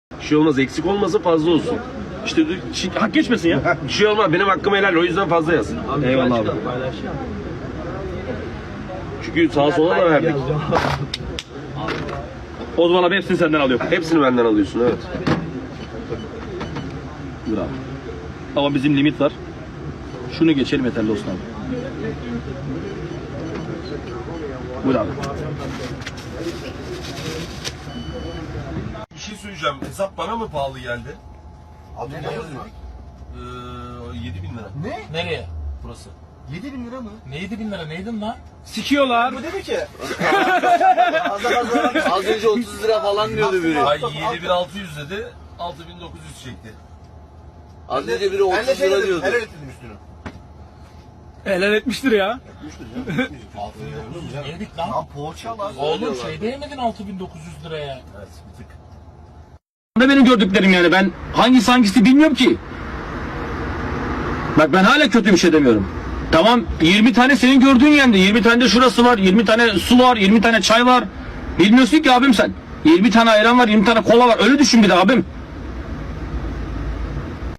Bir şey olmaz, eksik olmasa fazla olsun. İşte hak geçmesin ya. Bir şey olmaz, benim hakkım helal, o yüzden fazla yaz. Eyvallah abi. Çünkü sağa sola da verdik. O zaman abi hepsini senden alıyorum. Hepsini benden alıyorsun, evet. Dur abi. Ama bizim limit var. Şunu geçelim yeterli olsun abi. Buyur abi. Bir şey söyleyeceğim, hesap bana mı pahalı geldi? Abi ne yazıyor? 7.000 lira. Ne? Nereye? Burası. 7.000 lira mı? Ne 7.000 lira neydin lan? Sikiyorlar. Bu dedi ki. Az önce 30 lira falan diyordu biri. Ay 7.600 dedi, 6.900 çekti. Az önce biri 30 lira diyordu. Helal ettim üstünü. Helal etmiştir ya. Yedik lan. Lan poğaça lan. Oğlum şey değmedin 6.900 liraya. Evet, bir tık. Ne benim gördüklerim yani, ben hangisi bilmiyorum ki. Bak ben hala kötü bir şey demiyorum. Tamam 20 tane senin gördüğün yerde, 20 tane de şurası var, 20 tane su var, 20 tane çay var. Bilmiyorsun ki abim sen. 20 tane ayran var, 20 tane kola var. Öyle düşün bir de abim.